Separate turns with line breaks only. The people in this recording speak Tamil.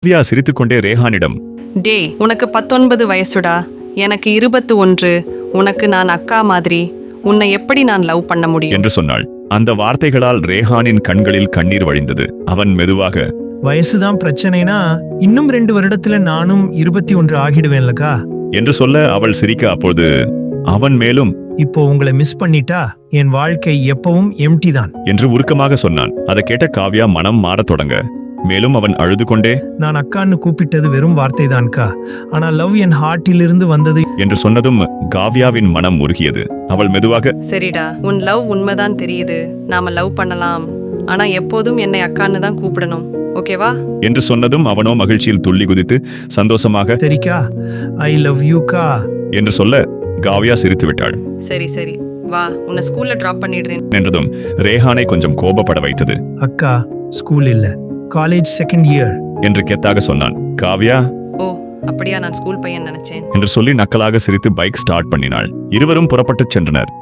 காவ்யா சிரித்துக்கொண்டே ரேஹானிடம்,
டே, உனக்கு 19 வயசுடா, எனக்கு 21. உனக்கு நான் அக்கா மாதிரி. உன்னை எப்படி நான் லவ் பண்ண முடியும்
என்று சொன்னாள். அந்த வார்த்தைகளால் ரேஹானின் கண்களில் கண்ணீர் வழிந்தது. அவன் மெதுவாக,
வயசுதான் பிரச்சனைனா இன்னும் 2 வருடத்துல நானும் 21 ஆகிடுவேன்லக்கா.
என்று சொல்ல அவள் சிரிக்க, அப்பொழுது அவன் மேலும்,
இப்போ உங்களை மிஸ் பண்ணிட்டா என் வாழ்க்கை எப்பவும் எம்டி தான்.
என்று உருக்கமாக சொன்னான். அதை கேட்ட காவ்யா மனம் மாறத் தொடங்க. மேலும் அவன் அழுது கொண்டே,
நான் அக்கான்னு கூப்பிட்டது வெறும் வார்த்தை தான்க்கா, ஆனா லவ் என் ஹார்ட்டிலிருந்து வந்தது.
என்று சொன்னதும் காவ்யாவின் மனம் உருகியது. அவள் மெதுவாக,
சரிடா, உன் லவ் உண்மைதான் தெரியுது. நாம லவ் பண்ணலாம். ஆனா எப்போதும் என்னை அக்கான்னு தான் கூப்பிடணும். ஓகேவா?
என்று சொன்னதும் அவனோ மகிழ்ச்சியில் துள்ளி குதித்து சந்தோஷமாக,
சரிக்கா, ஐ லவ் யூக்கா
என்று சொல்ல காவ்யா சிரித்து விட்டாள்.
சரி சரி, வா, உன்னை ஸ்கூல்ல டிராப் பண்ணிடுறேன்
என்றதும் ரேஹானை கொஞ்சம் கோபப்பட வைத்தது.
அக்கா, ஸ்கூல் இல்ல, காலேஜ் செகண்ட் இயர்.
என்று கெத்தாக சொன்னான். காவ்யா
ஓ, அப்படியா? நான் ஸ்கூல் பையன் நினைச்சேன்.
என்று சொல்லி நக்கலாக சிரித்து பைக் ஸ்டார்ட் பண்ணினாள். இருவரும் புறப்பட்டுச் சென்றனர்.